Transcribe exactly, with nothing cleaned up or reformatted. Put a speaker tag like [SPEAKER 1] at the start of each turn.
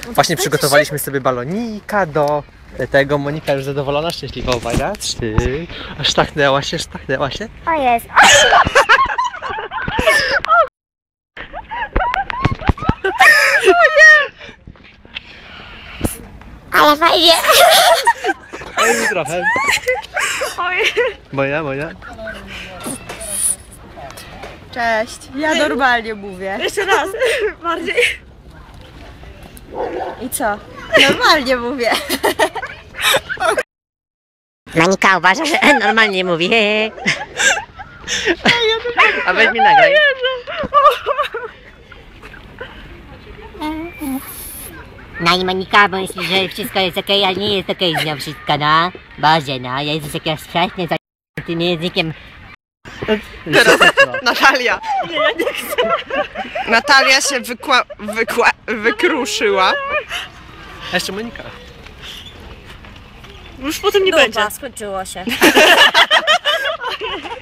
[SPEAKER 1] Właśnie przygotowaliśmy sobie balonika do tego. Monika już zadowolona, szczęśliwa. Uwaga, trzy. Sztachnęła się, sztachnęła się.
[SPEAKER 2] O jest. Ale fajnie.
[SPEAKER 1] Oj, trochę.
[SPEAKER 3] Oj.
[SPEAKER 1] Moja, moja.
[SPEAKER 3] Cześć, ja normalnie mówię. Jeszcze raz, bardziej. I co? Normalnie mówię.
[SPEAKER 2] Monika uważa, że normalnie mówi.
[SPEAKER 1] A weź mi nagraj.
[SPEAKER 2] No i Monika, bo myśli, że wszystko jest okej, ale nie jest okej z nią wszystko, no. Boże, no, Jezus, jak ja strasznie za tym językiem.
[SPEAKER 4] Teraz Natalia. Nie, ja nie chcę. Natalia się wykła, wykła, wykruszyła.
[SPEAKER 1] A jeszcze Monika.
[SPEAKER 3] Już potem nie
[SPEAKER 5] Dupa,
[SPEAKER 3] będzie.
[SPEAKER 5] skończyło się.